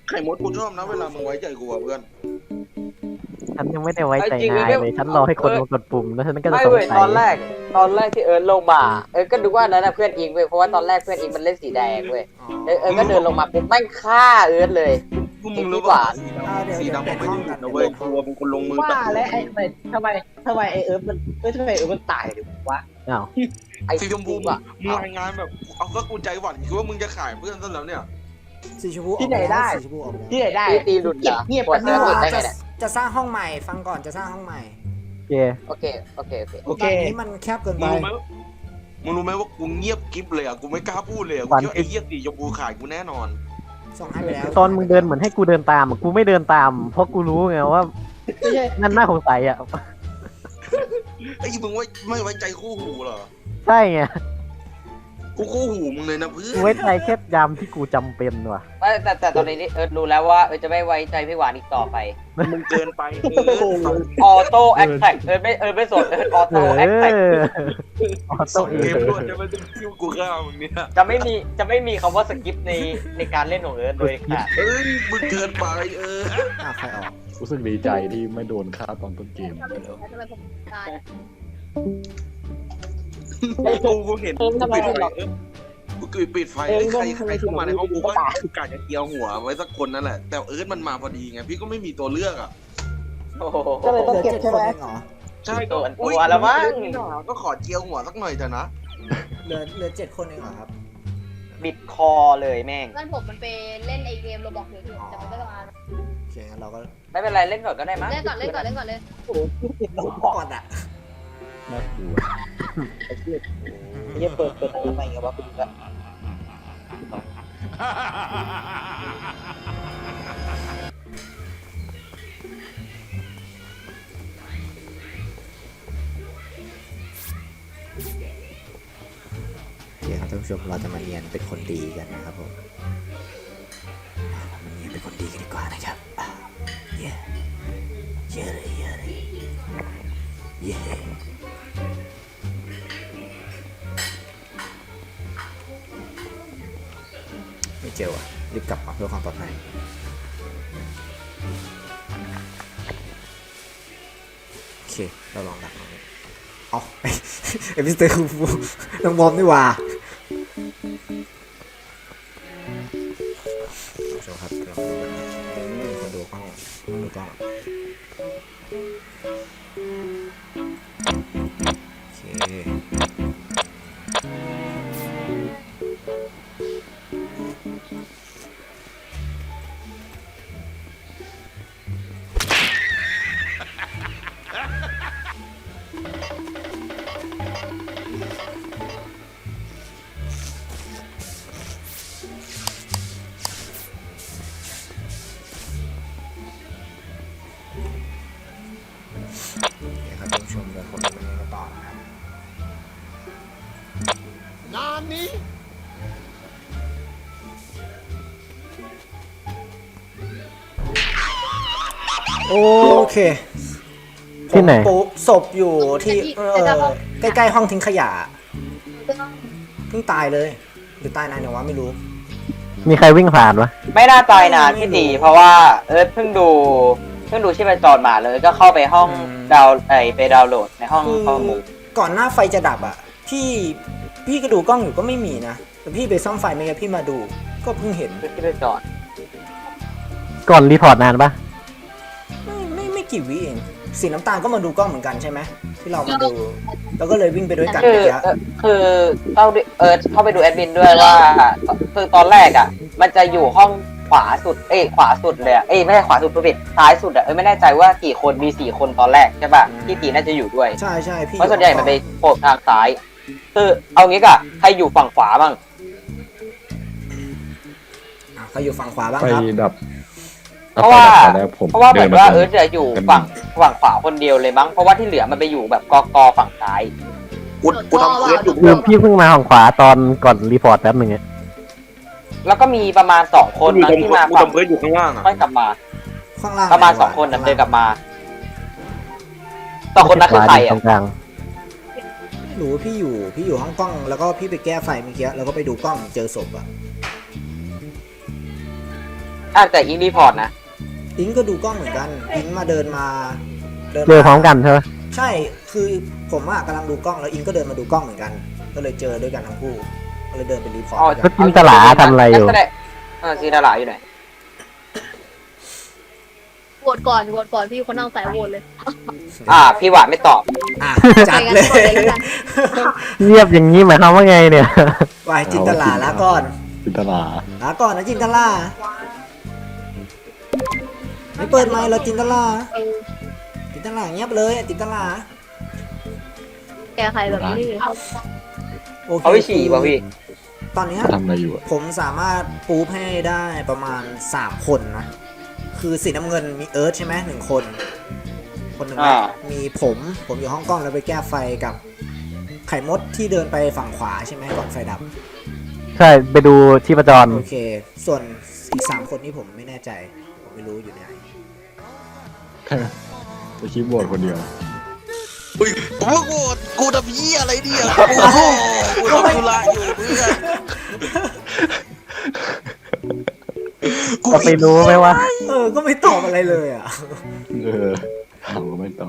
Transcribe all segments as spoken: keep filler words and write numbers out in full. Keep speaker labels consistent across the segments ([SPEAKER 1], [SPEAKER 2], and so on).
[SPEAKER 1] ไข่มดกูชอบนะเวลามึงไว้ใจกูอะเพื่อน
[SPEAKER 2] ฉันยังไม่ได้ไว้ใจนายเลยฉันรอให้คนมากดปุ่มแล้วฉันก็จะ
[SPEAKER 3] ไม่
[SPEAKER 2] สง
[SPEAKER 3] เว้ย
[SPEAKER 2] สั
[SPEAKER 3] ตอนแร
[SPEAKER 2] ย
[SPEAKER 3] กตอนแรกที่เอิร์ธลงมาเอิร์ธก็ดูว่านั้นนะเพื่อนอิงเว้ยเพราะว่าตอนแรกเพื่อนอิงมันเล่นสีแดงเว้ยเอิร์ธเอิร์ธก็เดินลงมาปุ๊บแม่งฆ่าเอิร์ธเลย
[SPEAKER 1] กูมึงรู้ป่ะสี
[SPEAKER 4] อ่า
[SPEAKER 1] ดำ
[SPEAKER 4] เดี๋ยว
[SPEAKER 1] สี
[SPEAKER 4] เดี๋ยว
[SPEAKER 1] ดำ
[SPEAKER 4] เป
[SPEAKER 1] มั
[SPEAKER 4] ลี่ย
[SPEAKER 1] น
[SPEAKER 4] น
[SPEAKER 1] ไม่
[SPEAKER 4] ห้อง
[SPEAKER 1] ได้
[SPEAKER 4] กัน
[SPEAKER 1] นะเว้ยกลัวมึงคนลงมือ
[SPEAKER 5] ว่า
[SPEAKER 1] ตัด
[SPEAKER 5] แล้วไอ้ทำไมทำไมทำไมไอเอิร์ธมันเอ้ยทำไมเอิร์ธมันตายเดี๋ยววะ
[SPEAKER 2] อ้าว
[SPEAKER 3] ไอ้
[SPEAKER 1] สีชมพู
[SPEAKER 3] อะ
[SPEAKER 1] มึงรายงานแบบเอาก็กูใจหวั่นคิดว่ามึงจะขายเพื่อนซะแล้วเนี่ย
[SPEAKER 4] สีชมพูออกมาแล้วสีชมพูออกมาแล้ว
[SPEAKER 5] ที่ไหนได้
[SPEAKER 3] ตีตีหลุดเหรอ
[SPEAKER 5] เงียบ
[SPEAKER 3] ปวด
[SPEAKER 5] กัน
[SPEAKER 3] เนื้
[SPEAKER 5] นี่
[SPEAKER 3] อ
[SPEAKER 5] ห
[SPEAKER 3] หลุ
[SPEAKER 5] ว่า
[SPEAKER 3] ดได้ไง
[SPEAKER 4] จะ
[SPEAKER 3] เนี่ย
[SPEAKER 4] จะสร้างห้องใหม่ฟังก่อนจะสร้างห้องใหม่
[SPEAKER 2] โอเค
[SPEAKER 3] โอเคโอเคโอเค
[SPEAKER 5] โอเค
[SPEAKER 4] ตอนนี้มันแคบเกิน
[SPEAKER 1] มึ
[SPEAKER 4] ไป
[SPEAKER 1] งรู้ไหมมึงรู้ไหมว่ากูเงียบกิ๊บเลยอ่ะกูไม่กล้าพูดเลยอ่ะกูคิดว่าไอ้เหี้ยสีชมพูขายกูแน่นอน
[SPEAKER 4] ส่งให้ไปแล้ว
[SPEAKER 2] ตอนมึงเดินเหมือนให้กูเดินตามอะกูไม่เดินตาม เพราะกูรู้ไงว่า
[SPEAKER 5] ไม่ใช่
[SPEAKER 2] นั่นน่าสงสัยอ่ะ
[SPEAKER 1] ไอ้มึงไว้ไม่ไว้ใจคู่หูเหรอ
[SPEAKER 2] ใช่ไง
[SPEAKER 1] กูคู่หูมึงเลยนะเพื่อ
[SPEAKER 2] กู
[SPEAKER 1] น
[SPEAKER 2] ไว้ใจแค่ยามที่กูจำเป็นว่ะ
[SPEAKER 3] ไม่แต่แต่ตอนนี้เอิร์ธรู้แล้วว่าเอิร์ธจะไม่ไว้ใจพี่หวานอีกต่อไป
[SPEAKER 1] มึงเกินไปเออ
[SPEAKER 3] ออโต้แอคแท็กเอิร์ธไม่เอิร์ธไม่สนเอิร์ธออ
[SPEAKER 2] เอ
[SPEAKER 3] โต้แอคแท็ก
[SPEAKER 2] อออ
[SPEAKER 1] ส่
[SPEAKER 2] โต้
[SPEAKER 1] ง
[SPEAKER 2] เอ
[SPEAKER 1] เกม
[SPEAKER 2] ง
[SPEAKER 1] ด้วยจะไม่ต้องคิวกูฆ่ามึงเนี่ย
[SPEAKER 3] จะไม่มีจะไม่มีคำว่าสกิปในในการเล่นของเอิร์ธโดยขาด
[SPEAKER 1] เอ้ยมึงเกินไปเออ
[SPEAKER 4] อ่ะใครออก
[SPEAKER 6] รู้สึกดีใจที่ไม่โดนฆ่าตอนต้นเกม
[SPEAKER 7] ทำไมผมตาย
[SPEAKER 1] กูกูเห็นกูปิดไฟเออกูปิดไฟเอ้ยใครใครเข้ามาในห้องกูก็คือกะจะเกียวหัวไว้สักคนนั่นแหละแต่เอิร์ธมันมาพอดีไงพี่ก็ไม่มีตัวเลือกอ่ะ
[SPEAKER 3] โอ้โห
[SPEAKER 5] ก็เลย
[SPEAKER 4] เห
[SPEAKER 5] ต้อง
[SPEAKER 4] ลือ
[SPEAKER 5] เก็บ
[SPEAKER 4] เจ็ด
[SPEAKER 5] ใช่
[SPEAKER 4] ค
[SPEAKER 5] ไห
[SPEAKER 4] น
[SPEAKER 5] ม
[SPEAKER 4] เองเหรอ
[SPEAKER 1] ใช่
[SPEAKER 3] ตัวตัวแล้วมั้ง
[SPEAKER 1] ก็ขอเจียวหัวสักหน่อยเถอะนะ
[SPEAKER 4] เหลือเหลือเจ็ดคนเองเหรอครับ
[SPEAKER 3] บิดคอเลยแม่ง
[SPEAKER 7] เพื่อนผมมันไปเล่นไอเกมโรบอกอยู่แต่มันก็ต้องอ่าน
[SPEAKER 4] โอเคงั้นเราก็
[SPEAKER 3] ไม่เป็นไรเล่นก่อนก็ได้มั้ง
[SPEAKER 7] เล่นก่อนเล่นก่อนเล่นก่อนเลย
[SPEAKER 5] โอ้โหติดลมบอก
[SPEAKER 4] ก่อนอ่ะ
[SPEAKER 6] น่ากลัว
[SPEAKER 5] ไอ้เหี้ยไอ้เหี้ยเปิดเปิดอะไรใหม่กับวะกูละ
[SPEAKER 4] โอเคครับท่านผู้ชมเราจะมาเรียนเป็นคนดีกันนะครับผมมาเรียนเป็นคนดีกันดีกว่านะครับอ่ะเย้เยอะเลยเยอะเลยเย้ไม่เจอว่ะรีบกลับมาเพื่อความปลอดภัยโอเคเราลองดักน้องอ๋อเอพิสเตอร์คูฟูน้องบอมนี่หว่าผู้ชมครับลองดูกันนะคนดูกล้องดูกล้องโอเคเนี่ยครับท่านผู้ชมเดี๋ยวคนดูกันต่อนะครับ โอเค
[SPEAKER 2] ที่ไหน
[SPEAKER 4] ผมปุ๊บศพอยู่ที่เออใกล้ๆห้องทิ้งขยะเพิ่งตายเลย หรือตายนานเนี่ยวะไม่รู้
[SPEAKER 2] มีใครวิ่งผ่านวะ
[SPEAKER 3] ไม่น่าตายนานพี่ตีเพราะว่าเอิร์ธเพิ่งดูเพิ่งดูชีพจรมาเลยก็เข้าไปห้องดาวไอไปดาวน์โหลดในห้อง
[SPEAKER 4] คือ
[SPEAKER 3] ข้อมูล
[SPEAKER 4] ก่อนหน้าไฟจะดับอ่ะ พี่พี่ก็ดูกล้องอยู่ก็ไม่มีนะแต่พี่ไปซ่อมไฟไม่งั้นพี่มาดู ก็เพิ่งเห็น
[SPEAKER 3] ชีพจร
[SPEAKER 2] ก่อนรีพอร์ตนานปะ
[SPEAKER 4] ไม่ไม่ไม่กี่วิเองสีน้ำตาลก็มาดูกล้องเหมือนกันใช่ไหมที่เรามาดู แล้วก็เลยวิ่งไปด้วยกัน
[SPEAKER 3] คือ
[SPEAKER 4] เมื่อกี้
[SPEAKER 3] เอ่อคือเข้าด้วยเอิร์ธเข้าไปดูแอดมินด้วยว่าคือตอนแรกอ่ะ มันจะอยู่ห้องขวาสุดเอ้ยขวาสุดเลยอะเอ้ยไม่ใช่ขวาสุดผู้ผิดซ้ายสุดอ่ะเอ้ยไม่แน่ใจว่ากี่คนมีสี่คนตอนแรกใช่ป่ะพี่ตีน่าจะอยู่ด้วย
[SPEAKER 4] ใช่ใช่พี่
[SPEAKER 3] เพราะส่วนใหญ่มันไปโผล่ทางซ้ายคือเอางี้กะใครอยู่ฝั่งขวาบ้าง
[SPEAKER 4] อ่ะเขาอยู่ฝั่งขวาบ้าง
[SPEAKER 6] ไป
[SPEAKER 4] ครับ
[SPEAKER 6] ดับ
[SPEAKER 3] เพราะว่า
[SPEAKER 6] ดับไฟดับตอนแรกผม
[SPEAKER 3] เพราะว่าเหมือนว่าเอิร์ธ
[SPEAKER 6] ดิ
[SPEAKER 3] จะอยู่ฝั่งฝั่งขวาคนเดียวเลยมั้งเพราะว่าที่เหลือมันไปอยู่แบบกอกอฝั่งซ้าย
[SPEAKER 1] กูกูทำเควสอยู่
[SPEAKER 2] คือพี่เพิ่งมาของขวาตอนก่อนรีพอร์ตแป๊บหนึ่งอะ
[SPEAKER 3] แล้วก็มีประมาณสองคน
[SPEAKER 1] กู
[SPEAKER 3] มั้ง
[SPEAKER 1] ทำ
[SPEAKER 3] ที่
[SPEAKER 1] กู
[SPEAKER 3] มาฝั่ง
[SPEAKER 1] ทำเควสอยู่ข้างล่างอ่ะ
[SPEAKER 3] ค่อยกลับมา
[SPEAKER 4] ข้างล่าง
[SPEAKER 3] ประมาณ
[SPEAKER 4] ไหว
[SPEAKER 3] สองคนน่ะ
[SPEAKER 4] ข้าง
[SPEAKER 3] เดินก
[SPEAKER 4] ล่าง
[SPEAKER 3] ลับมาสองคนนั้นคือใคร
[SPEAKER 2] ต
[SPEAKER 3] อ่ะ
[SPEAKER 2] รงกลาง
[SPEAKER 4] ไม่รู้พี่อยู่พี่อยู่ห้องกล้องแล้วก็พี่ไปแก้ไฟเมื่อกี้แล้วก็ไปดูกล้องเจอศพอะ
[SPEAKER 3] อ่ะแต่อิงรีพอร์ตนะ
[SPEAKER 4] อิงก็ดูกล้องเหมือนกันอิงมาเดินมาเดิน
[SPEAKER 2] เจอพร้อมกันใช่ไหม
[SPEAKER 4] ใช่คือผมอะกำลังดูกล้องแล้วอิงก็เดินมาดูกล้องเหมือนกัน ก็เลยเจอด้วยกันทั้งคู่ก็เลยเดินไปรีพอร์ต
[SPEAKER 3] อ๋อ
[SPEAKER 4] ด้วย
[SPEAKER 2] ก็
[SPEAKER 4] กัน
[SPEAKER 2] จินตลาทำอะไรอยู่
[SPEAKER 3] งั้นแสดงเออจินตลาอยู่ไหน
[SPEAKER 7] โหวตก่อนโหวตก่อนพี่คนนั่งสายโหวตเลย
[SPEAKER 3] อ่า พี่หวานไม่ตอบ
[SPEAKER 4] อ่ะจัดเลย
[SPEAKER 7] ไปกันก่อนเลยแล้วกัน
[SPEAKER 2] เงียบอย่างนี้หมายความว่าไงเนี่ย
[SPEAKER 4] วายจินตลาละก่อน
[SPEAKER 6] จินตลา
[SPEAKER 4] ละก่อนนะจินตลาไม่เปิดไมค์แล้วจินตลาจินตลาเงียบเลยจินตลา
[SPEAKER 7] แกใครแบบนี้
[SPEAKER 4] โอเค
[SPEAKER 3] เขาไปฉี่ป่ะพี่
[SPEAKER 4] ตอนเนี้ย
[SPEAKER 6] ทำอะไรอยู่อะ
[SPEAKER 4] ผมสามารถปูฟให้ได้ประมาณสามคนนะ คือสีน้ำเงินมีเอิร์ธใช่ไหมหนึ่งคน คนหนึ่ง
[SPEAKER 3] อ่า
[SPEAKER 4] มีผม ผมอยู่ห้องกล้องแล้วไปแก้ไฟกับไข่มดที่เดินไปฝั่งขวาใช่ไหมก่อนไฟดับ
[SPEAKER 2] ใช่ไปดูที่ประจร
[SPEAKER 4] โอเค ส่วนอีกสามคนนี่ผมไม่แน่ใจ ผมไม่รู้อยู่ไหน
[SPEAKER 6] จะคิดโหวตคนเดียว
[SPEAKER 1] อุ้ยผมว่ากูกูทำเหี้ยอะไรเนี่ยโอ้โหกูทำธุระอยู่เพื่อน
[SPEAKER 2] ก็ไปรู้ไหมว่า
[SPEAKER 4] เออ ก็ไม่ตอบอะไรเลยอ่ะ
[SPEAKER 6] เออถามก็ไม่ตอบ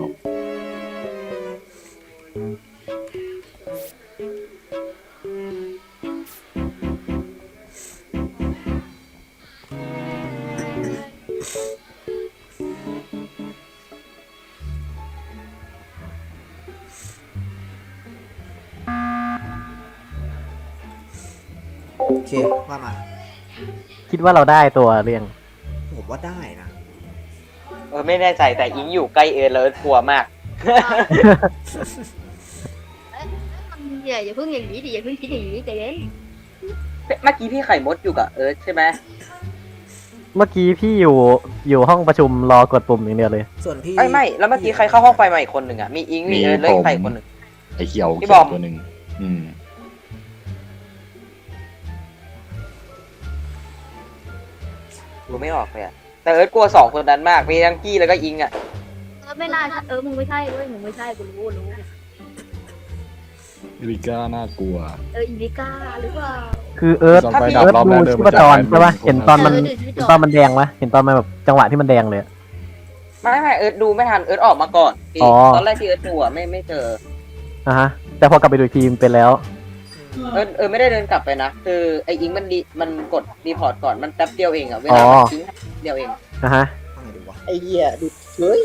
[SPEAKER 4] โอเค ว่ามา
[SPEAKER 2] คิดว่าเราได้ตัวเรียง
[SPEAKER 4] ผมว่าได้นะ
[SPEAKER 3] เออไม่แน่ใจแต่อิงอยู่ใกล้เอิร์ธแล้วเอิร์ธกลัวมาก
[SPEAKER 7] อย่าอย่าเพิ่งอย่างนี้ดิอย่าเพิ่งคิดอย่างนี้ใจเย็น
[SPEAKER 3] เมื่อกี้พี่ไข่มดอยู่กับเอิร์ธใช่ไหม
[SPEAKER 2] เมื่อกี้พี่อยู่อยู่ห้องประชุมรอกดปุ่มอย่างเดียวเลย
[SPEAKER 4] ส่วนพี่
[SPEAKER 3] ไม่ไม่แล้วเมื่อกี้ใครเข้าห้องไฟมาอีกคนหนึ่งอ่ะมีอิงมีเอิร์ธแล้วอีกใครอีกคนหนึ่ง
[SPEAKER 6] ไอ้เขียว
[SPEAKER 3] พี่
[SPEAKER 6] เขี
[SPEAKER 3] บ
[SPEAKER 6] ย
[SPEAKER 3] อ
[SPEAKER 6] ว
[SPEAKER 3] ม
[SPEAKER 6] ตัวหนึ่งอืม
[SPEAKER 3] ดูไม่ออกเลยอะแต่เอิร์ธกลัวสองคนนั้นมากมีทั้งกี้แล้วก็อิงอ่ะ
[SPEAKER 7] เออไม่น่าเออมึงไม่ใช่ด้วยมึงไม่ใช่กูรู้รู้
[SPEAKER 6] อิริก้าน่ากลัว
[SPEAKER 7] เอออินดิก้าหรือเปล่า
[SPEAKER 2] คือเอิร์ธ
[SPEAKER 6] ถ้าพี่
[SPEAKER 2] เอิร์ธ
[SPEAKER 6] รอบแร
[SPEAKER 2] ดู
[SPEAKER 6] กเดิน
[SPEAKER 2] ชี
[SPEAKER 6] มา
[SPEAKER 2] พจร
[SPEAKER 6] จาก
[SPEAKER 2] ใช่ปะ
[SPEAKER 6] ไหน
[SPEAKER 2] เห็นตอนมัน
[SPEAKER 7] เออ
[SPEAKER 2] เห็นตอนมันแดงปะเห็นตอนมันแบบจังหวะที่มันแดงเลยอะ
[SPEAKER 3] ไม่ไม่เอิร์ธดูไม่ทันเอิร์ธออกมาก่อนพี่
[SPEAKER 2] อ๋อ
[SPEAKER 3] ตอนแรกที่เอิร์ธดูอ่ะไม่ไม่เจอ
[SPEAKER 2] อ่ะฮะ แต่พอกลับไปดูอีกทีมเป็นแล้ว
[SPEAKER 3] เอิร์ธเออไม่ได้เดินกลับไปนะคือไออิงมันดีมันกดรีพอร์ตก่อนมันแป๊บเดียวเองอ่ะเวลามันทิ้งเดียวเอง
[SPEAKER 2] อ่ะฮะ
[SPEAKER 4] ว่าไงดีวะ
[SPEAKER 5] ไอ้เหี้ยดูเฮ้ย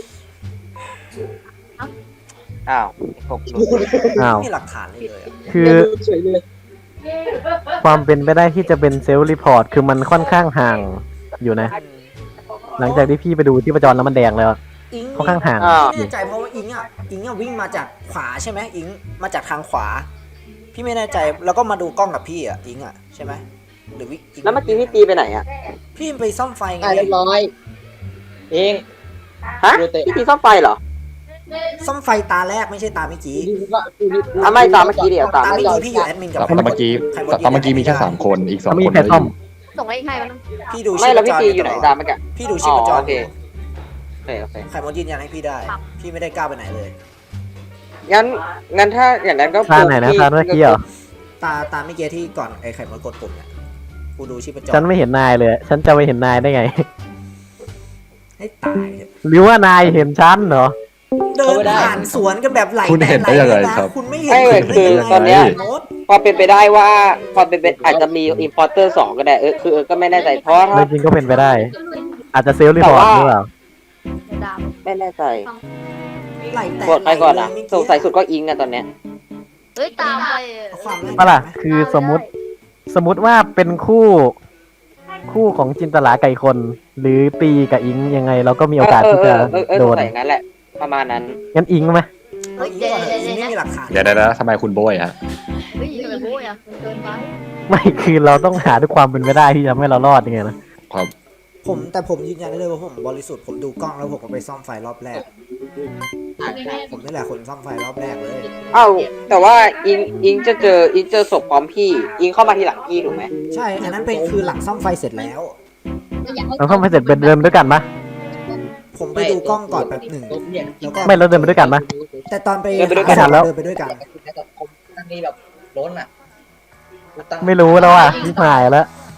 [SPEAKER 3] อ้าวไอ้พวกดู
[SPEAKER 2] อ้าว
[SPEAKER 4] ไม่มีหลักฐานเลยเลยอะ
[SPEAKER 2] คือ
[SPEAKER 5] ดูเฉยเลย
[SPEAKER 2] ความเป็นไปได้ที่จะเป็นเซลล์รีพอร์ตคือมันค่อนข้างห่างอยู่นะ หลังจากที่พี่ไปดูที่ประจรแล้วมันแดงแล้วอะ
[SPEAKER 4] อิง
[SPEAKER 2] ค่อนข้างห่าง
[SPEAKER 3] อ้าว
[SPEAKER 4] ไม่แน่ใจเพราะว่าอิงอ่ะอิงอ่ะวิ่งมาจากขวาใช่ไหมอิงมาจากทางขวา พี่ไม่แน่ใจแล้วก็มาดูกล้องกับพี่อ่ะอิงอ่ะใช่ไหมหรือวิอิง
[SPEAKER 3] แล้วเมื่อกี้พี่ตีไปไหนอ่ะ
[SPEAKER 4] พี่ไปซ่อมไฟไง
[SPEAKER 5] อ่ะเรียบร้อย เอง
[SPEAKER 3] ฮะพี่ตีซ่อมไฟเหรอ
[SPEAKER 4] ซ่อมไฟตาแรกไม่ใช่ตาเมื่อกี้
[SPEAKER 3] อ่ะไม่ตามเมื่อกี้เดี๋ยวตาม
[SPEAKER 4] ตาเมื่อกี้พี่อยู่แอดมินกับ
[SPEAKER 6] แต่เมื่อกี้
[SPEAKER 4] ใคร
[SPEAKER 6] แต่เมื่อกี้มีแค่สามคนอีกสอง
[SPEAKER 2] ถ้ามี
[SPEAKER 6] คน
[SPEAKER 2] ใคร
[SPEAKER 6] ไม่
[SPEAKER 2] ซ่อม
[SPEAKER 6] อยู่
[SPEAKER 7] ส่งให้ให้มัน
[SPEAKER 4] พี่ดู
[SPEAKER 3] ไม่
[SPEAKER 4] ชีพ
[SPEAKER 3] แล้ว
[SPEAKER 4] จ
[SPEAKER 3] พี่
[SPEAKER 4] ร
[SPEAKER 3] ตีอยู่ไหนตามเมื่อกี้
[SPEAKER 4] พี่ดูชีพจ
[SPEAKER 3] อ๋
[SPEAKER 4] ร
[SPEAKER 3] อโอเค
[SPEAKER 4] อยู่
[SPEAKER 3] โอเคโอเค
[SPEAKER 4] ใครมดยืนยันให้พี่ได้ พี่ไม่ได้ก้าวไปไหนเลย
[SPEAKER 3] งั้นงั้นถ้าอย่างนั้นก็
[SPEAKER 2] พลาดไหนนะ
[SPEAKER 3] พี่
[SPEAKER 2] พลาดเมื่อกี้เหรอ
[SPEAKER 4] ตาตาเมื่อกี้ที่ก่อนไอ้ไข่มดกดปุ่มเนี่ยกูดูชีพจร
[SPEAKER 2] ฉันไม่เห็นนายเลย ฉันจะไม่เห็นนายได้ไง
[SPEAKER 4] ให้ตายเถอะ
[SPEAKER 2] หรือว่านายเห็นฉันเหรอ
[SPEAKER 4] เดินผ่านสวนกันแบบไหล
[SPEAKER 6] คุณเห็นได้ยังไง
[SPEAKER 4] หลนะ
[SPEAKER 6] ครับ
[SPEAKER 4] คุณไม่เห็น
[SPEAKER 3] ไม่เลย
[SPEAKER 4] ได้
[SPEAKER 3] คือ
[SPEAKER 4] ยังไง
[SPEAKER 3] ตอนเนี้ย
[SPEAKER 4] มด
[SPEAKER 3] พอเป็นไปได้ว่าพอเป็นไปอาจจะมีอินพอร์เตอร์สองก็ได้เออคือเออก็ไม่แน่ใจเพราะว่าถ้า
[SPEAKER 2] จริงๆก็เป็นไปได้ อาจจะเซลล์รีพอร์ตหรือเปล่า
[SPEAKER 7] ดาม
[SPEAKER 3] ไม่แน่ใจ
[SPEAKER 4] ไหลแตก
[SPEAKER 3] กดไปก่อนนะ
[SPEAKER 4] ไหลเลย
[SPEAKER 3] สงสัยสุดก็อิงอะตอนเนี้ย
[SPEAKER 7] เฮ้ยตามไป
[SPEAKER 4] เอาความแรก
[SPEAKER 2] ปะล่ะ
[SPEAKER 4] ไหม
[SPEAKER 2] คือสมมติ สมมติว่าเป็นคู่ คู่ของจินตลาไก่คน หรือตีกับอิงยังไง เราก็มีโอกาส
[SPEAKER 3] เออ
[SPEAKER 2] ที่
[SPEAKER 3] เอ
[SPEAKER 2] จะ
[SPEAKER 3] อเออเออ
[SPEAKER 2] โด
[SPEAKER 3] สง
[SPEAKER 2] น
[SPEAKER 3] สัยอย่างนั้นแหละ ประมาณนั้น
[SPEAKER 2] งั้นอิงไหม
[SPEAKER 4] เอาอิงก่อนเถอะอิงไม่มีหลักฐาน
[SPEAKER 6] เดี๋ยวได้แล้วทำไมคุณโบยฮะ
[SPEAKER 7] เฮ้ยทำไมโบ้ยอ่ะมันเกินไป
[SPEAKER 2] ไม่ คือเราต้องหาด้วยความเป็นไปได้ที่จะทำให้เรารอดยังไงนะ
[SPEAKER 6] ครับ
[SPEAKER 4] ผมแต่ผมยืนยันได้เลยว่าผมบริสุทธิ์ผมดูกล้องแล้วผมก็ไปซ่อมไฟรอบแรก ผมนี่แหละคนซ่อมไฟรอบแรกเลย
[SPEAKER 3] เอ้าแต่ว่าอิงอิงจะเจออิงเจอศพพร้อมพี่ อิงเข้ามาทีหลังพี่ถูกไหม
[SPEAKER 4] ใช่อันนั้นเป็นคือหลังซ่อมไฟเสร็จแล้ว
[SPEAKER 2] เราเข้าไปเสร็จเป็นเดินด้วยกันปะ
[SPEAKER 4] ผมไปดูกล้องก่อนแบบหนึ่งแล้วก็
[SPEAKER 2] ไม่เราเดินไปด้วยกันปะ
[SPEAKER 4] แต่ตอนไป
[SPEAKER 3] เดินไปด้วยกั
[SPEAKER 2] ไม่ทันแล้ว
[SPEAKER 4] เดินไปด้วยกัน
[SPEAKER 5] ผมตั้งนี้แบบล้นอ่ะ
[SPEAKER 2] ไม่รู้แล้วอ่ะนี่หายแล้ว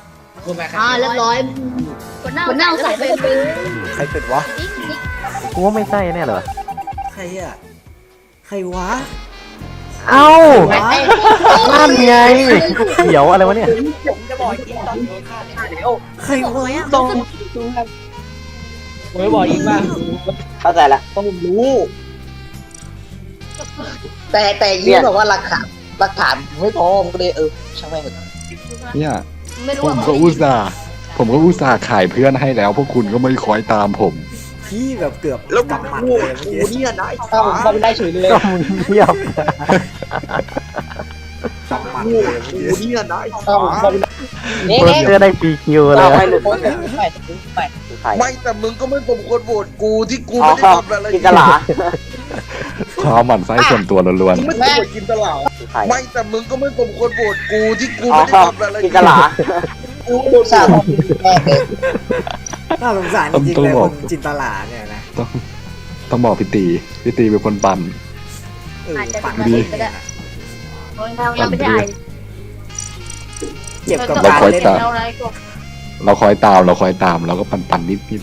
[SPEAKER 7] อ่าเรียบร้อยคนหน้าคนหน้าใส่ไปเลย
[SPEAKER 4] ใครเป็ดวะ
[SPEAKER 7] จิ๊กจิ๊ก
[SPEAKER 2] กูว่าไม่ใช่แน่เลยวะ
[SPEAKER 4] ใครอ่ะใครวะ
[SPEAKER 2] เอ้า
[SPEAKER 4] ใครวะ
[SPEAKER 2] นั่นไงเขียวอะไรวะเนี่ย
[SPEAKER 5] ผมจะบอกกินตอนโดนฆ่าเนี่ยเดี๋ยว
[SPEAKER 4] ใครวะ
[SPEAKER 5] ต้องผมไม่บอกอีกว่า
[SPEAKER 3] เข้าใจละ
[SPEAKER 5] ต้องรู้ แต่แต่ยี่บอกว่าหลักฐานหลักฐานไม่พอผมก็เลยเออช่างแม่ง
[SPEAKER 6] เนี่ย
[SPEAKER 7] ไม่รู้
[SPEAKER 6] ผม
[SPEAKER 7] ว่า
[SPEAKER 6] ก็อุตส่าห์ผมก็อุตส่าห์ขายเพื่อนให้แล้ว พวกคุณก็ไม่คอยตามผม
[SPEAKER 4] พี่แบบเกือบ
[SPEAKER 1] แล้ว
[SPEAKER 4] กำหมัด
[SPEAKER 1] กู
[SPEAKER 4] เลยเมื่อ
[SPEAKER 1] กู
[SPEAKER 4] กี้
[SPEAKER 1] เนี่ยได้
[SPEAKER 5] เอ้าเขาไม่ได้เฉยเลย
[SPEAKER 2] ก็มึงเงียบ
[SPEAKER 4] กำหมัด
[SPEAKER 1] กู
[SPEAKER 4] เลยเมื่อกี้
[SPEAKER 1] กูเนี่ยได้
[SPEAKER 5] เอ้าเขาไม่ได้นี่
[SPEAKER 2] เปิด
[SPEAKER 5] นี่
[SPEAKER 2] เสื้อได้ฟรีคิวเลย
[SPEAKER 3] เรา
[SPEAKER 2] อะ
[SPEAKER 3] ไม่หลุด
[SPEAKER 5] ไม่
[SPEAKER 3] เลย
[SPEAKER 5] ไม่ไม่
[SPEAKER 3] ใคร
[SPEAKER 1] ไม่แต่มึงก็ไม่สมควรโหวตกูที่กู
[SPEAKER 3] อ๋อ
[SPEAKER 1] ไม่ได้ทำอะไร
[SPEAKER 3] กินตลา
[SPEAKER 6] ความหมั่นไส้ส่วนตัวล้วน
[SPEAKER 1] มึงไม่ควรกินตลาด
[SPEAKER 3] ใคร
[SPEAKER 1] ไม่แต่มึงก็ไม่สมควรโหวตกูที่กู
[SPEAKER 3] อ๋อ
[SPEAKER 1] ไม่ได้ทำอะไร
[SPEAKER 3] กินตลา
[SPEAKER 1] กูโดน
[SPEAKER 5] สา
[SPEAKER 1] สาว บ
[SPEAKER 5] แม่เลย
[SPEAKER 4] น่าสงสารจริงๆเลยคนจินตลาเนี่ยนะ
[SPEAKER 6] ๆต้องต้องบอกพี่ตีพี่ตีเป็นคนปั่น
[SPEAKER 4] เออ
[SPEAKER 7] อาจจะ
[SPEAKER 4] ปั่น
[SPEAKER 7] เป็น
[SPEAKER 4] ดี
[SPEAKER 7] ก็ได้เราเราไม่ได้
[SPEAKER 4] เจ็บกับ
[SPEAKER 6] เรา
[SPEAKER 4] การ
[SPEAKER 6] คอย
[SPEAKER 4] เล่น
[SPEAKER 6] ตาม
[SPEAKER 7] เราอะไรก็
[SPEAKER 6] เราคอยตามเราคอยตามเราก็ปั่นปั่นนิดนิด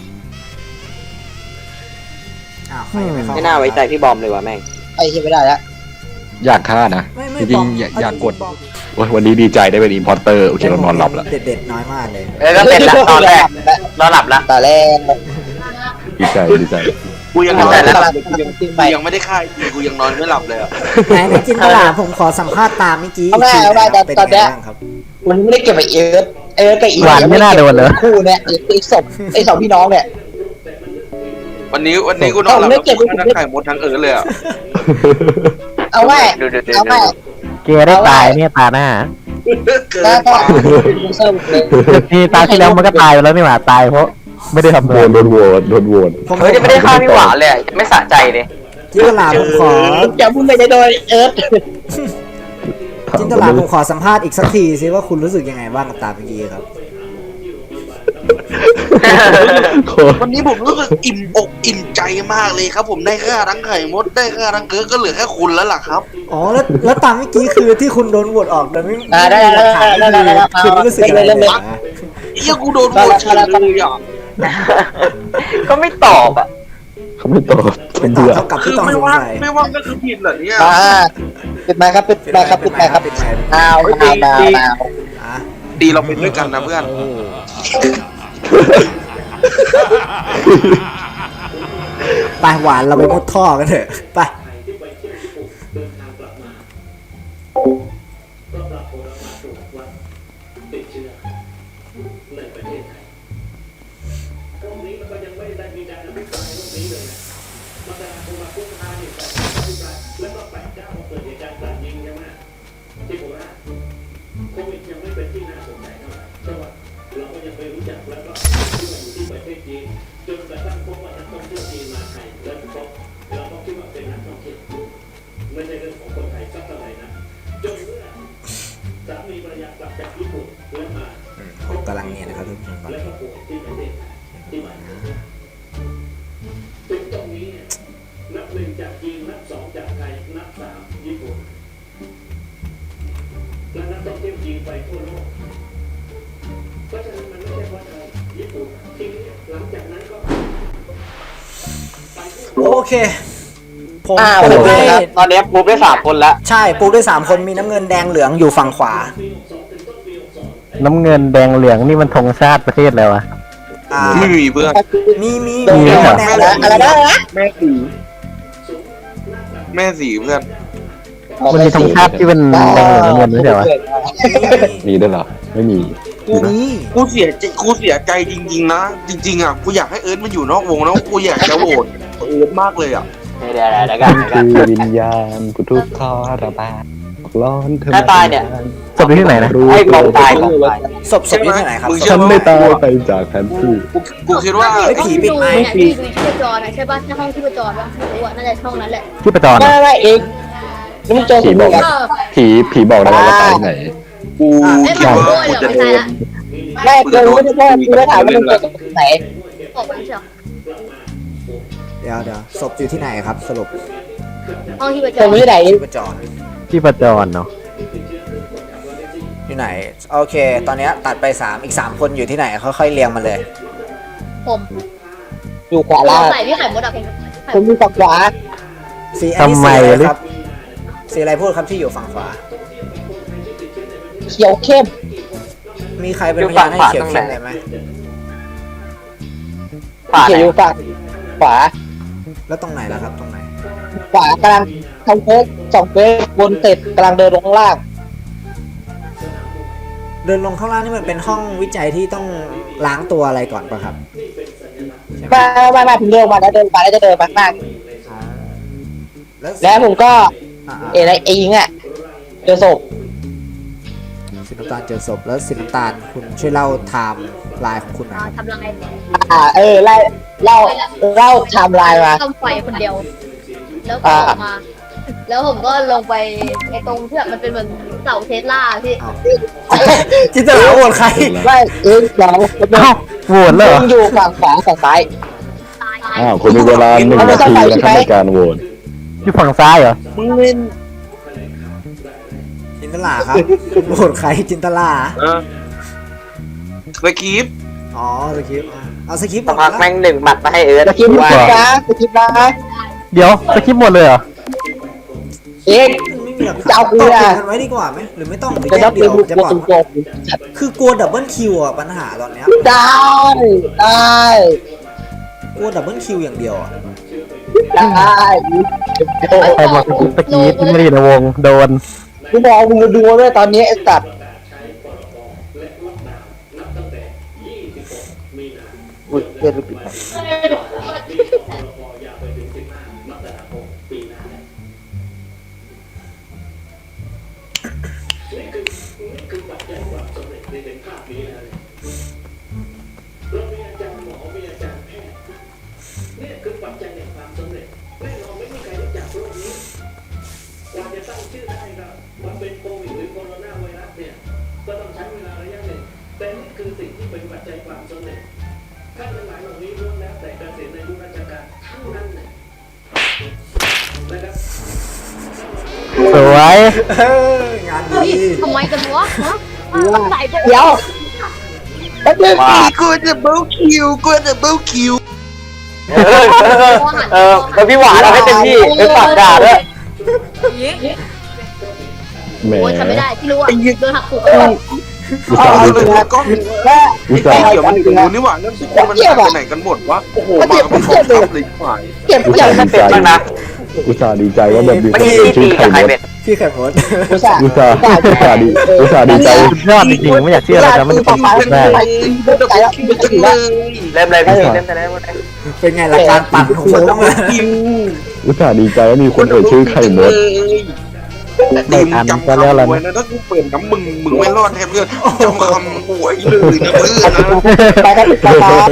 [SPEAKER 4] อ้าวใครยังไม่เข้า
[SPEAKER 3] ไม่น่าไว้ใจพี่บอมเลยว่ะแม่ง
[SPEAKER 5] ไอ้ที่ไม่ได้แล้ว
[SPEAKER 6] อยากฆ่านะ
[SPEAKER 4] ไม่ไม่
[SPEAKER 6] จริ
[SPEAKER 4] บ
[SPEAKER 6] ง
[SPEAKER 4] อม
[SPEAKER 6] ๆอยาก
[SPEAKER 4] เ
[SPEAKER 6] อยากกด
[SPEAKER 4] บอม
[SPEAKER 6] โอ้ยวันนี้ดีใจได้เป็นอินพอร์เตอร์โอเคเรานอนหลับแล้ว
[SPEAKER 4] เด็ดๆน้อยมากเลย
[SPEAKER 3] เออก็เป็นละตอนแรกนอนหลับละ
[SPEAKER 5] แต่แรก
[SPEAKER 6] ดีใจดีใจ
[SPEAKER 1] กูยัง
[SPEAKER 3] เข้าน
[SPEAKER 1] อน
[SPEAKER 3] ใจ
[SPEAKER 1] ไม่
[SPEAKER 3] แล้ว
[SPEAKER 1] หลับกูยัง
[SPEAKER 5] ขึ้น
[SPEAKER 1] กู
[SPEAKER 5] ไป
[SPEAKER 1] ยังไม่ได้ฆ่าจริงกูยังนอนไม่หลับเลยอ่ะ
[SPEAKER 4] ไหนในจินตลาผมขอสัมภาษณ์ตามเมื่อกี้
[SPEAKER 5] เอาได้เอาได้
[SPEAKER 4] เป็น
[SPEAKER 5] ตอน
[SPEAKER 4] ไง
[SPEAKER 5] เนี้ย
[SPEAKER 4] บ้างครับ
[SPEAKER 5] มันไม่ได้เก็บไอเอิร์ธเอิร์ธกับอี
[SPEAKER 2] หวานไม่น่าโดนเลย
[SPEAKER 5] คู่เนี่ยไอ้ศพไอ้สองพี่น้องเนี่ย
[SPEAKER 1] วันนี้วันนี้กูนอนหลับ
[SPEAKER 5] เอาไม่
[SPEAKER 1] แล้ว
[SPEAKER 5] เก็บ
[SPEAKER 1] กูฆ่าทั้งไข่มดทั้งเอิร์ธเลยอ่ะ
[SPEAKER 5] เอาไว้
[SPEAKER 3] ดูดูดู
[SPEAKER 5] เอา
[SPEAKER 3] ดู
[SPEAKER 5] ไว้
[SPEAKER 2] เกได้ตายเนี่ยตาหน้า
[SPEAKER 1] เกิ
[SPEAKER 5] แล้ว
[SPEAKER 1] น
[SPEAKER 5] ก็
[SPEAKER 1] ไป
[SPEAKER 5] เป็นลูเซอร์หมดเลย
[SPEAKER 2] นี่ตาที่แล้วมันก็ตายไปแล้วนี่หว่าตายเพราะไม่ได้ทำ
[SPEAKER 6] โด
[SPEAKER 2] อะไร
[SPEAKER 6] นโดนโหวตโดนโหวต
[SPEAKER 4] ผม
[SPEAKER 3] เฮ้ยจะไม่ได้ฆ่าพี่หวานเลยอะไม่สะใจเลย
[SPEAKER 4] จินตลาผมขอ
[SPEAKER 5] จะพูดไม่ได้โดยเอิร์ธ
[SPEAKER 4] จินตลาผมขอสัมภาษณ์อีกสักทีสิว่าคุณรู้สึกยังไงบ้างกับตามเมื่อกี้ครับ
[SPEAKER 6] โคตร
[SPEAKER 1] วันนี้ผมรู้สึกอิ่มอกอิ่มใจมากเลยครับ ผมได้ฆ่าทั้งไข่มดได้ฆ่าทั้งเกิร์ธก็เหลือแค่คุณแล้วล่ะครับ
[SPEAKER 4] อ๋อแล้วแล้วตามเมื่อกี้คือที่คุณโดนโหวตออกโดยไม่
[SPEAKER 5] อ่าได้
[SPEAKER 4] ไม่มีห
[SPEAKER 5] ได้
[SPEAKER 4] ลักฐาน
[SPEAKER 5] ได้ได้ได้ได้
[SPEAKER 4] คือไม่รู้สึกอะไรเลยนะ
[SPEAKER 1] เฮียกูโดนโหวตเฉยเลยอ่ะ
[SPEAKER 3] ก็ไม่ตอบอ่ะ
[SPEAKER 6] เขาไม่ตอบ
[SPEAKER 4] เป็น
[SPEAKER 6] เบื่อ
[SPEAKER 4] เท่ากับ
[SPEAKER 1] คื
[SPEAKER 4] ที่
[SPEAKER 1] อ
[SPEAKER 4] ต้อง
[SPEAKER 1] ไม่
[SPEAKER 4] สง
[SPEAKER 1] ว่าง
[SPEAKER 4] สัย
[SPEAKER 1] ไม่ว่างก็คือผิดเหรอเนี่ย
[SPEAKER 5] อ่าปิดไมค์ครับปิดไมค์ครับปิดไมค์ครับ
[SPEAKER 4] ปิดไมค์
[SPEAKER 5] อ้าวอ้าวอ้าวอ้าว
[SPEAKER 4] อ่ะ
[SPEAKER 1] ดีเราเป็นด้วยกันนะเพื่อน
[SPEAKER 4] ไปหวานเราไปมุดท่อกันเถอะไป ผมกำลังเนี่ยนะครับทุกคนก่อนโอเค ผม
[SPEAKER 5] อ้าว
[SPEAKER 4] ผม
[SPEAKER 5] โอเค
[SPEAKER 4] ให้
[SPEAKER 5] ครับ
[SPEAKER 3] ตอนนี้ปูได้สามคนแล้ว
[SPEAKER 4] ใช่ปูด้วยสามคนมีน้ำเงินแดงเหลืองอยู่ฝั่งขวา
[SPEAKER 2] น้ำเงินแดงเหลืองนี่มันธงชาติประเทศแล้วอะ
[SPEAKER 4] อ่า
[SPEAKER 1] ไม่มีเพื่อน
[SPEAKER 4] มีมี
[SPEAKER 5] โดน
[SPEAKER 4] มี
[SPEAKER 5] แด
[SPEAKER 4] แด
[SPEAKER 5] ง
[SPEAKER 4] ง
[SPEAKER 5] นะอะไรนะ
[SPEAKER 1] แม่สีแม่สีเพื่อน
[SPEAKER 2] มันมีธงชาติที่เป็นแดงเหลืองน้ำเงินไม่ใช่เหรอ
[SPEAKER 6] มีด้วยเหรอไม่มี
[SPEAKER 4] มี
[SPEAKER 1] กูเสียใจกูเสียใจจริงๆนะ จริงๆอ่ะกูอยากให้เอิร์ธมันอยู่นอกวงแล้วกูอยากจะโหวตเอิร์ธมากเลยอ่ะ
[SPEAKER 3] เดี๋ยวเดี๋ยวเดี๋ยวกัน
[SPEAKER 6] มัน
[SPEAKER 3] เดี๋ยวกัน
[SPEAKER 6] คือวิญญาณกูทุกข์ทรมานร้อนเธอ
[SPEAKER 3] ถ้าตายเนี่ย
[SPEAKER 2] ศพอยู่ที่ไหนนะ
[SPEAKER 3] ไอ้บอมตายบอมตาย
[SPEAKER 4] ศพศพอยู่ที่ไหนครับ
[SPEAKER 1] มึง
[SPEAKER 6] ฉั
[SPEAKER 1] เชื่อน ไหม
[SPEAKER 6] ไม่ตายไปจากแผนที่
[SPEAKER 1] กูกูคิดว่า
[SPEAKER 4] ไอ้ผีปิดไมค์
[SPEAKER 7] ไม่ปีดูชีพจรนะใช่ป่ะถ้าห้องชีพจรป่ะไม่รู้อ่ะน่าจะช่องนั้นแหละ
[SPEAKER 2] ที่ประจร
[SPEAKER 5] ไม่
[SPEAKER 2] อะ
[SPEAKER 5] ไม่เองแล้วมึงเจอผมเลยครับ
[SPEAKER 7] เออ
[SPEAKER 6] ผีผีบอกได้ว่าตายที่ไหน
[SPEAKER 1] กู
[SPEAKER 7] เอ้ย
[SPEAKER 1] คิด
[SPEAKER 7] มัน
[SPEAKER 1] ว่า
[SPEAKER 7] โวย
[SPEAKER 1] กู
[SPEAKER 7] เหรอ
[SPEAKER 1] จะ
[SPEAKER 7] ไม่
[SPEAKER 1] โด
[SPEAKER 7] ใช่
[SPEAKER 1] น
[SPEAKER 7] ละ
[SPEAKER 5] ไม่เจอไม่ได้แค่กูได้ถามว่ามึงเจอตรงไหน
[SPEAKER 7] ออกไปไม่ใช่เหรอ
[SPEAKER 4] เดี๋ยวเดี๋ยวศพอยู่ที่ไหนครับ สรุป
[SPEAKER 7] ห้องชีพจ
[SPEAKER 5] ผม
[SPEAKER 7] ร
[SPEAKER 5] ไม่ได้ไหน
[SPEAKER 4] ที่ประจร
[SPEAKER 2] ที่ประจรเนาะ
[SPEAKER 4] อยู่ไหนโอเค ตอนเนี้ยตัดไปสามอีกสามคนอยู่ที่ไหนค่อยๆเรียงมาเลย
[SPEAKER 7] ผม
[SPEAKER 5] อยู่ขวาล่าง
[SPEAKER 7] ใส่พี่ไข่มดอะผม
[SPEAKER 5] ผมอยู่ฝั่งขวา
[SPEAKER 4] สีอันนี้สีอะไรครับสีอะไรพูดครับที่อยู่ฝั่งขวา
[SPEAKER 5] เขียวเข้ม
[SPEAKER 4] มีใครเป็นพยานให้เขียวเข้มเลยไหม
[SPEAKER 3] ผ่าน
[SPEAKER 5] เขียวอยู่ฝั่งขวา
[SPEAKER 4] แล้วตรงไหนล่ะครับตรงไหน
[SPEAKER 5] ขวากำลังทำเฟสสองเฟสบนเสร็จกำลังเดินลงข้างล่าง
[SPEAKER 4] เดินลงข้างล่างนี่มันเป็นห้องวิจัยที่ต้องล้างตัวอะไรก่อนป่ะครับ
[SPEAKER 5] ไม่ไม่ไม่ผมเดินมาแล้วเดินมาแล้วจะเดินมาข้างหน้า
[SPEAKER 4] อ๋อแล้ว
[SPEAKER 5] แล้วผมก็
[SPEAKER 4] อ่า
[SPEAKER 5] เอะไรเองอ่ะเจอศพ
[SPEAKER 4] ๆสีน้ำตาลเจอศพแล้วสีน้ำตาลคุณช่วยเล่าไทม์ไลน์ของคุณหน่อยครับ
[SPEAKER 7] ทำลาย
[SPEAKER 5] อ่าเออไล่เล่าเล่าไทม์ไลน์มา
[SPEAKER 7] ต้มไฟคนเดียว แล้วก็ออกมา แล้วผมก็ลงไปไอ้ตรงเทือกมันเป็นเหมือนเสาเทสลาพี่
[SPEAKER 4] จินตลาโหวตใคร
[SPEAKER 5] ไม่เองเรา
[SPEAKER 2] เอ้าโหวตเลยเหรอ
[SPEAKER 5] มึงอยู่ฝั่งขวาฝั่งซ้าย
[SPEAKER 6] อ้าวคุณมีเวลาหนึ่งนาทีนะครับในการโหวต
[SPEAKER 2] อยู่ฝั่งซ้ายเหรอ
[SPEAKER 5] มึงเล่น
[SPEAKER 4] จินตลาครับคุณโหวตใครจินตลา
[SPEAKER 1] เออสคริปต์
[SPEAKER 4] อ๋อสคริปต์เอาสคริปต์
[SPEAKER 3] สักพักแม่งหนึ่งหมัดมาให้เอิร์ธ
[SPEAKER 5] จะคิดนะจะคิดนะ
[SPEAKER 2] เดี๋ยวสคริปต์หมดเลยเหรอ
[SPEAKER 5] เอง
[SPEAKER 4] ไม่มีหลัก
[SPEAKER 5] จะ
[SPEAKER 4] ฐาน
[SPEAKER 5] เอากู
[SPEAKER 4] ตอบ
[SPEAKER 5] อะ
[SPEAKER 4] กันไว้ดีกว่าไหมหรือไม่ต้องหรือ
[SPEAKER 5] จะ
[SPEAKER 4] แย
[SPEAKER 5] ต้อก ง
[SPEAKER 4] เดี
[SPEAKER 5] เป็
[SPEAKER 4] ย
[SPEAKER 5] น
[SPEAKER 4] ว
[SPEAKER 5] บุค
[SPEAKER 4] จะ
[SPEAKER 5] ค
[SPEAKER 4] บ
[SPEAKER 5] ล
[SPEAKER 4] อก
[SPEAKER 5] ตรง
[SPEAKER 4] คือกลัวดับเบิลคิวอ่ะปัญหาตอนเนี้ย
[SPEAKER 5] ๆได้ได้
[SPEAKER 4] กลัวดับเบิลคิวอย่างเดียวอ่ะ
[SPEAKER 5] ได้
[SPEAKER 2] ใครบอกสกรีที่ไม่ได้อยู่ในวงโดน
[SPEAKER 5] กูบอกมึงดูด้วยตอนนี้ไอ้สัตว์อุ้ยเกินไปปิด
[SPEAKER 2] สวย
[SPEAKER 4] เอองานดี
[SPEAKER 7] ทำไมกันวะฮะใส่ไป
[SPEAKER 5] เดี๋ยวแป๊บนึง
[SPEAKER 1] กูจะเบิลคิวกูจะเบิลคิว
[SPEAKER 3] เออเออแล้วพี่หวานเอาให้เต็มที่ไปฝากด่าด้วย
[SPEAKER 6] แหม
[SPEAKER 7] โอ้ยทำไม่ได้ที่รู้อ่ะโดนหักหัว
[SPEAKER 6] อุต
[SPEAKER 5] เอา
[SPEAKER 6] ส่าห์
[SPEAKER 5] เอา
[SPEAKER 6] ดี
[SPEAKER 5] จริงนะ
[SPEAKER 1] ก็มี
[SPEAKER 5] แม่
[SPEAKER 6] อุต
[SPEAKER 1] ไอ้
[SPEAKER 6] ส่าห์
[SPEAKER 1] เกี่ยวมันถึงกูนี่หว่าเรื่องที่มันหายไปไหนกันหมดวะโอ้โหมากันเป็นกองทัพเลยฝ่าย
[SPEAKER 5] เก็บ
[SPEAKER 6] อุต
[SPEAKER 5] อย่า
[SPEAKER 6] ส่าง ห์ดีใจ
[SPEAKER 3] บ้างนะ
[SPEAKER 6] อุตส่าห์ดีใจว่าแบบมีค
[SPEAKER 3] เมื่อน
[SPEAKER 6] เอ่
[SPEAKER 3] กี้
[SPEAKER 6] ย
[SPEAKER 3] ที่
[SPEAKER 6] ชื่
[SPEAKER 3] ตี
[SPEAKER 6] อไข่
[SPEAKER 3] กับ
[SPEAKER 6] ม
[SPEAKER 3] ใคร
[SPEAKER 6] ด
[SPEAKER 3] เป็น
[SPEAKER 4] พี่ไข่มด
[SPEAKER 5] อุตส่าห์
[SPEAKER 6] อุตส่าห์อุตส่าห์ดีอุตส่าห์ดีใจ
[SPEAKER 2] สุดยอดจริงๆไม่อยากเชื่อเลยนะมันจะเป็นไปได้
[SPEAKER 1] กูจะเบิลคิวจังเลย
[SPEAKER 3] เริ่มเลยพี่เริ่มเลยเริ่มเลย
[SPEAKER 4] เป็นไงล่ะการปั่นของผม
[SPEAKER 1] จะเบิลคิว
[SPEAKER 6] อุตส่าห์ดีใจว่ามีคนเอ่ยชื่อไข่มด
[SPEAKER 1] ตีมจำคำไว้นะถ้ากูเปิดน้ำมึงมึงไม่รอดแทบเลยจำคำหวยเลยนะเพื่อนนะ
[SPEAKER 5] ไปกันไปกัน
[SPEAKER 4] ครับ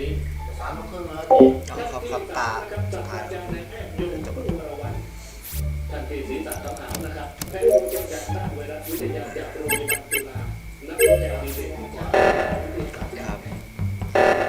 [SPEAKER 4] ครับตาสุดท้ายครับ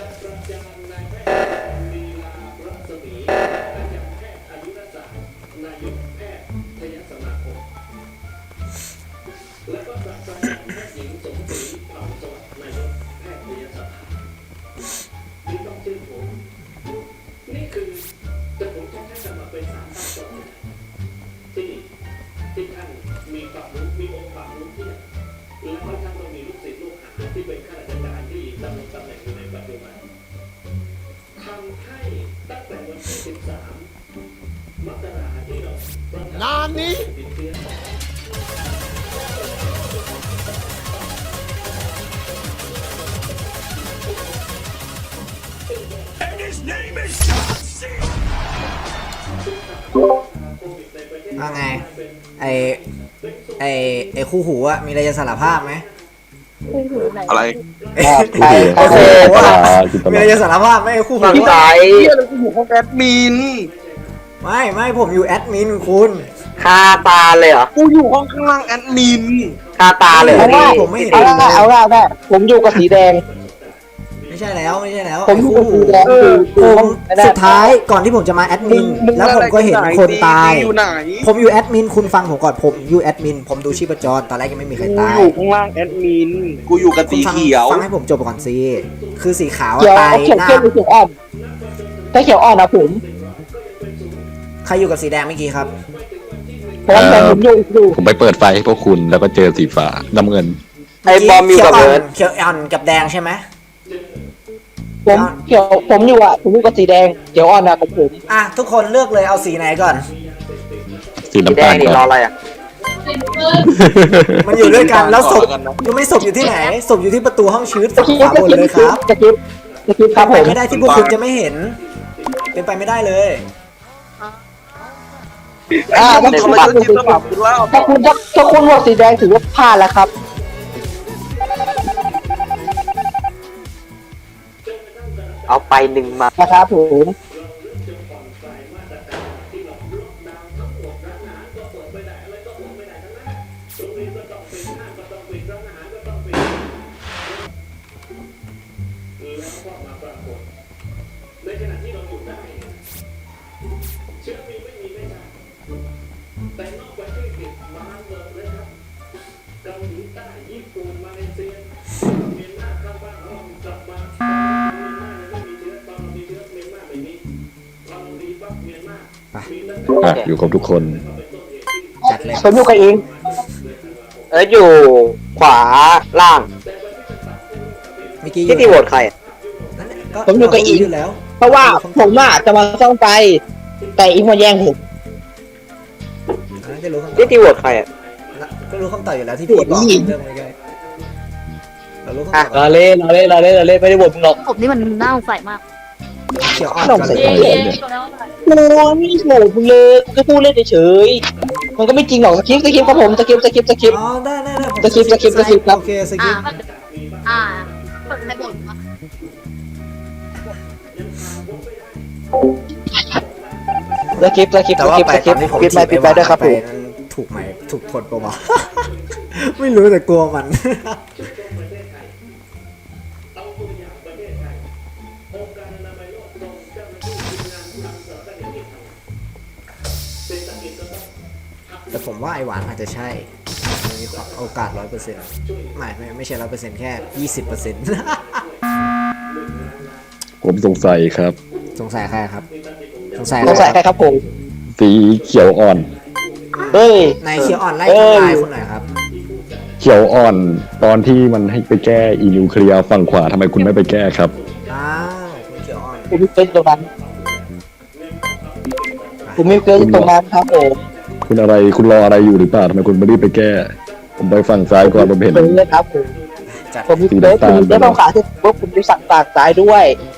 [SPEAKER 4] ว่าไงไอไอไอคู่หูอะมีอะไรจะสารภาพไหม
[SPEAKER 1] อะไร
[SPEAKER 5] ไป
[SPEAKER 6] โอ้โห
[SPEAKER 5] โอเค
[SPEAKER 6] จิต
[SPEAKER 4] มี
[SPEAKER 6] ลา
[SPEAKER 4] อะไรจะสารภาพไหมไอคู่หู
[SPEAKER 3] ฝั่ง
[SPEAKER 4] อะ
[SPEAKER 3] ซ้าย
[SPEAKER 1] เฮียอะไรกูอยู่ห้องแอดมิน
[SPEAKER 4] ไม่ไม่ผมอยู่แอดมินคุณ
[SPEAKER 3] คาตาเลยเหรอ
[SPEAKER 1] กูอยู่ห้องข้างล่างแอดมิน
[SPEAKER 3] คาตาเลยเหรอ
[SPEAKER 5] เอา
[SPEAKER 3] พี่
[SPEAKER 5] ว่า
[SPEAKER 4] ผมไม่เห็น
[SPEAKER 5] เอาว่าเอาว่าแม่ผมอยู่กับสีแดง
[SPEAKER 4] ผไม่ใช่แล้วไม่ใช่แล้ว
[SPEAKER 5] ผมอยู่กับสีแดงคือ
[SPEAKER 4] ผมสุดท้ายก่อนที่ผมจะมาแอดมินแล้วผมก็เห็นคนตาย
[SPEAKER 1] อยู่ไหน
[SPEAKER 4] ผมอยู่แอดมินคุณฟังผมก่อนผมอยู่แอดมินผมดูชีพจรตอนแรกยังไม่มีใคร
[SPEAKER 1] กู
[SPEAKER 4] ตาย
[SPEAKER 1] อยู่ข้างล่างแอดมินกูอยู่กับ
[SPEAKER 4] คุ
[SPEAKER 1] สี
[SPEAKER 4] ณฟัง
[SPEAKER 1] เขียว
[SPEAKER 4] ฟังให้ผมจบก่อนสิคือสีขาวอะ
[SPEAKER 5] เขียว
[SPEAKER 4] ตาย
[SPEAKER 5] เขียว
[SPEAKER 4] หน้า
[SPEAKER 5] เข้มหรือเขียวอ่อนถ้าเขียวอ่อนนะผม
[SPEAKER 4] ใครอยู่กับสีแดงเมื่อกี้ครับ
[SPEAKER 5] เพราะว่าผมอยู่อยู่
[SPEAKER 6] ผมไปเปิดไฟให้พวกคุณแล้วก็เจอสีฟ้าน้ำเงิน
[SPEAKER 3] ไอ้บอมอยู่กับ
[SPEAKER 4] เขียว
[SPEAKER 3] เบิร์ด
[SPEAKER 4] เขียวอ่อนกับแดงใช่ไหม
[SPEAKER 5] ผมเขียวผมอยู่อ่ะผมอยู่กับสีแดงเขียวอ่อนนะกับผม
[SPEAKER 4] อ่ะทุกคนเลือกเลยเอาสีไหนก่อน
[SPEAKER 6] สี
[SPEAKER 3] สี
[SPEAKER 6] น้ำ
[SPEAKER 3] แด
[SPEAKER 6] ตาง ล
[SPEAKER 3] นี่
[SPEAKER 6] ก่
[SPEAKER 3] รอ
[SPEAKER 6] อน
[SPEAKER 3] อะไรอ่ะ
[SPEAKER 4] มันอยู่ด้วยกันแล้วศพ
[SPEAKER 1] ก่อนนะ
[SPEAKER 4] อยู่ไม่ศพอยู่ที่ไหนศพอยู่ที่ประตูห้องชีวิต
[SPEAKER 5] ตะ
[SPEAKER 4] ฝั่ง
[SPEAKER 5] กี้
[SPEAKER 4] ขวาบนเลยครับ
[SPEAKER 5] ตะกี้ตะกี้ครับผ
[SPEAKER 4] เป็น
[SPEAKER 5] ม
[SPEAKER 4] ไปไม่ได้ที่พวกคุณจะไม่เห็น เป็นไปไม่ได้เลย
[SPEAKER 5] อ่าถ้า
[SPEAKER 1] ทำ
[SPEAKER 5] คุณ
[SPEAKER 1] ไม
[SPEAKER 5] ถ้า
[SPEAKER 1] ฉัน
[SPEAKER 5] คุณ
[SPEAKER 1] จิ้มระดับคุณแล้ว
[SPEAKER 5] ถ้าคุณถ้าคุณโหวตสีแดงถือว่าพลาดแล้วครับ
[SPEAKER 3] เอาไปหนึ่งมา
[SPEAKER 5] นะครับผม
[SPEAKER 6] อ่ะอยู่ครบทุกคน
[SPEAKER 4] จัดเลย
[SPEAKER 5] ผมอยู่กับเอง
[SPEAKER 3] เอออยู่ขวาล่าง
[SPEAKER 4] เมื่อกี้
[SPEAKER 3] ที่ที่โหวตใครอะ
[SPEAKER 5] ผมอยู่กับอิง
[SPEAKER 4] อยู่แล้ว
[SPEAKER 5] เพราะว่าผมอ่ะจะมาซ่อมไฟแต่อิงมาแย่งผม
[SPEAKER 4] อ่ะก็รู้คำตอบ
[SPEAKER 3] ที่ที่โหวตใครอ่ะ
[SPEAKER 4] ก็รู้คำตอบอยู่แล้วที่พี่บอกเรื่องอะไรกันเรารู้คำตอบ
[SPEAKER 5] เราเล่นเราเล่นเราเล่นเราเล่นไม่ได้บทมึงหรอก
[SPEAKER 7] ผมนี่มันน่าสงสัยมาก
[SPEAKER 4] เขียวอ่อน
[SPEAKER 5] ต้อง
[SPEAKER 4] ก่อน
[SPEAKER 5] ใส่
[SPEAKER 4] เลย
[SPEAKER 7] เย้
[SPEAKER 5] โอ้ไม่โหดมึงเลยกูก็พูดเล่นเฉยๆมันก็ไม่จริงหรอกสคริปต์สคริปต์ครับผมสคริปต์สคริปต์สคริปต์
[SPEAKER 4] อ๋อได้ได้ได้ผม
[SPEAKER 5] สกิปสกิปสกิปครับ
[SPEAKER 4] โอเคสกิ
[SPEAKER 7] อ่า
[SPEAKER 4] ป
[SPEAKER 7] อ่าคนในบทวะ
[SPEAKER 5] สคริปต์สคริปต์
[SPEAKER 4] แต่
[SPEAKER 5] ส
[SPEAKER 4] ว่า
[SPEAKER 5] คริปต์
[SPEAKER 4] ไป
[SPEAKER 5] สค
[SPEAKER 4] ต
[SPEAKER 5] ริ
[SPEAKER 4] อ
[SPEAKER 5] ป
[SPEAKER 4] น
[SPEAKER 5] ต์
[SPEAKER 4] ที่ผม
[SPEAKER 5] ปิดไปปิดไปด้วยครับผม
[SPEAKER 4] นั้นถูกไหมถูกคนปะวะ ไม่รู้แต่กลัวมัน แต่ผมว่าไอหวานอาจจะใช่มันมีความโอกาสร้อยเปอร์เซ็นต์ไม่ไม่ไม่ใช่ร้อยเปอร์เซ็นต์แค่ยี่สิบเปอร์เซ็นต์
[SPEAKER 6] ผมสงสัยครับ
[SPEAKER 4] สงสัยใครครับ สงสัย
[SPEAKER 5] สงสัยใครครับผม
[SPEAKER 6] สีเขียวอ่อน
[SPEAKER 5] เฮ้ย
[SPEAKER 4] นายเขียวอ่อนไล่
[SPEAKER 5] เอ้ย
[SPEAKER 4] ทำลายคุณหน่อยครับ
[SPEAKER 6] เขียวอ่อนตอนที่มันให้ไปแก้อีนิวเคลียร์ฝั่งขวาทำไมคุณไม่ไปแก้ครับ
[SPEAKER 4] อ้าวคุณเขียวอ่อน
[SPEAKER 5] ผมไม่เป็นตรงนั้นผมไม่เป็นตรงนั้นครับผม
[SPEAKER 6] คุณอะไรคุณรออะไรอยู่หรือเปล่าทำไมคุณไม่รีบไปแก้ ผมไปฝั่งซ้ายก่อนผมเห็น
[SPEAKER 5] เป็นเลยครับผม
[SPEAKER 4] จัด
[SPEAKER 5] ผมมีเฟซผมมีเฟซฝั่งซ้ายที่ว่าผมไปสั่งฝากซ้ายด้วย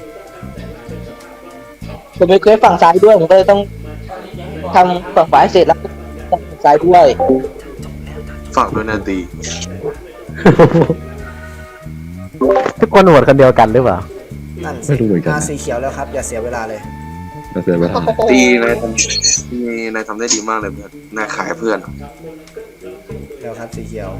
[SPEAKER 5] ผมมีเฟซฝั่งซ้ายด้วยผมก็เลยต้องทำฝั่งขวาให้เสร็จแล้วฝั่งซ้ายด้วย
[SPEAKER 1] ฝากด้วยนะตี
[SPEAKER 2] ทุกคนโหวตคนเดียวกันหรือเปล่า
[SPEAKER 4] นั่น
[SPEAKER 6] ไม่รู้เหมือนกัน
[SPEAKER 4] มาสีเขียวแล้วครับ อย่าเสียเวลาเลย
[SPEAKER 6] น่าเสียเวลา
[SPEAKER 1] ตีนายทำตีนายทำได้ดีมากเลยเพื่อนนายขายเพื่อนอะ
[SPEAKER 4] เร็วครับสีเขียว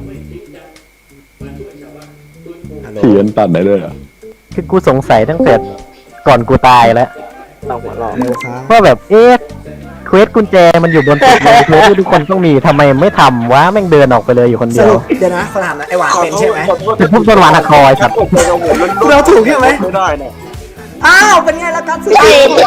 [SPEAKER 4] ฮัลโหล
[SPEAKER 6] เขียนตัดได้เลยเหรอ
[SPEAKER 2] คือกูสงสัยตั้งแต่ก่อนกูตายแล้ว
[SPEAKER 3] ต้องหัวเราะ
[SPEAKER 4] เร็วครับ
[SPEAKER 2] ว่าแบบเอ๊ะเควสกุญแจมันอยู่บนตึกเลยเควสที่ทุกคนต้องมีทำไมไม่ทำวะแม่งเดินออกไปเลยอยู่คน
[SPEAKER 4] ส
[SPEAKER 2] เดียว
[SPEAKER 4] รุปเดี๋ยวนะขอถามหนะไอหวานเป็นใช่ไหม
[SPEAKER 2] เป็นพวกต้นหวานหักคอยครับ
[SPEAKER 4] เราถูกใช่ไหม
[SPEAKER 1] ไม่ได้นะ
[SPEAKER 4] อ้าวเป็นไงล่ะกันสี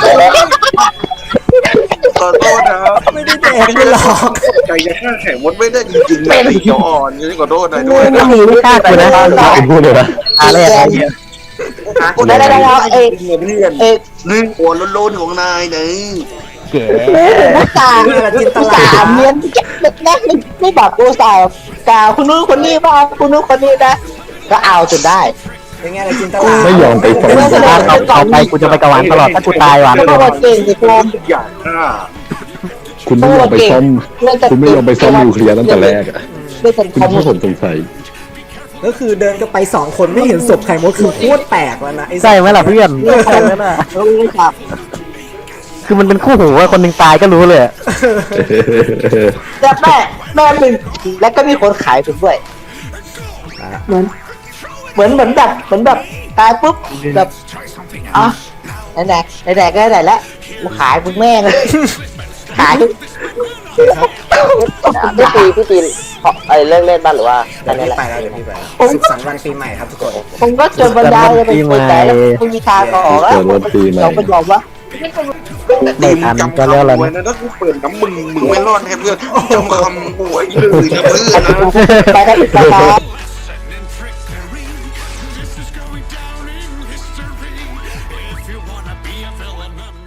[SPEAKER 1] ขอโทษนะครับ
[SPEAKER 4] ไม่ได้แดกไม่หรอก
[SPEAKER 1] ใจจะฆ่าแข่งมดไม่ได้จริงๆนะตีเขียวอ่อนนี่ขอโทษนายด้วย
[SPEAKER 2] ไม่มีไม่กล้ากูนะ
[SPEAKER 6] คุณพูดเลยนะ
[SPEAKER 2] อะไรอะไรเนี่ย
[SPEAKER 5] ได้ได้ได้เอ้ย
[SPEAKER 1] เพื่อน
[SPEAKER 5] เอ้ย
[SPEAKER 1] หนึ่งหัวโลนๆของนายหนึ่ง
[SPEAKER 2] เก๋
[SPEAKER 5] อุตส่าห์
[SPEAKER 4] นี่แหละจินต
[SPEAKER 5] อุต
[SPEAKER 4] ลา
[SPEAKER 5] ส่าห์เมียนนะไม่ไม่แบบอุตส่าห์กล่าวคุณนู้นคนนี้บ้างคุณนู้นคนนี้นะก็เอาจนได้
[SPEAKER 4] เป็นไงล่ะจินตลา
[SPEAKER 6] ไม่ยอมไปฟ้อง
[SPEAKER 2] ถ้าเอาเอาไปกูจะไปกบหวานตลอดถ้ากูตายหวาน
[SPEAKER 5] ไม่
[SPEAKER 2] เล
[SPEAKER 5] ต้อง
[SPEAKER 2] ย
[SPEAKER 5] มาเก่งสิโคม
[SPEAKER 1] ทุกอย่างฆ่า
[SPEAKER 6] คุณไม่ยอมไปซ่อมคุณไม่ยอมไปซ่อมนิวเคลียร์ตั้งแต่แรกอะ
[SPEAKER 5] ไม่เป็น
[SPEAKER 6] คุณ
[SPEAKER 5] คอม
[SPEAKER 6] พูดผมสงสัย
[SPEAKER 4] ก็คือเดินก็ไปสองคนไม่เห็นศพไข่มดคือโคตรแปลกแล้วนะไอ้
[SPEAKER 2] ใช่ไหมล่ะเพื่อนใช่ไหมล่ะ
[SPEAKER 5] รู้ครับ
[SPEAKER 2] คือมันเป็นคู่หูว่าคนหนึ่งตายก็รู้เลยอะ
[SPEAKER 5] แต่แม่แม่หนึ่งแล้วก็มีคนขายผมด้วยเหมือนเหมือนเหมือนแบบเหมือนแบบตายปุ๊บแบบอ่ะไหนไหนไหนๆก็ไหนๆแล้วกูขายมึงแม่งเลยขาย
[SPEAKER 3] พี่ตีพี่ตีเพราะไอ้เลิกเล่นบ้านหรือว่าอั
[SPEAKER 4] เดี๋ย
[SPEAKER 3] น
[SPEAKER 4] ว
[SPEAKER 3] นี้
[SPEAKER 4] พี่
[SPEAKER 3] แหละ
[SPEAKER 4] ไปแล้วเดี๋ยวพี่ไปแล้วสุขสันต์วันปีใหม่ครับทุกคน
[SPEAKER 5] ผมก็จนบรรยายจะเป็นคนแต่แล้วมึงมีทางออกแล้ว
[SPEAKER 6] เกิดวันปีใหม่
[SPEAKER 5] เราก็ยอมว่า
[SPEAKER 2] ไม่ทันก็แล้วล่ะ
[SPEAKER 1] ไว้นะถ้ากูเปิดน้ำมึงมึงไม่รอดแน่เพื่อนจำคำกูไว้เลยนะเพื่อนนะ
[SPEAKER 5] ไปได้อีกแล้ว
[SPEAKER 8] If you wanna be a villain,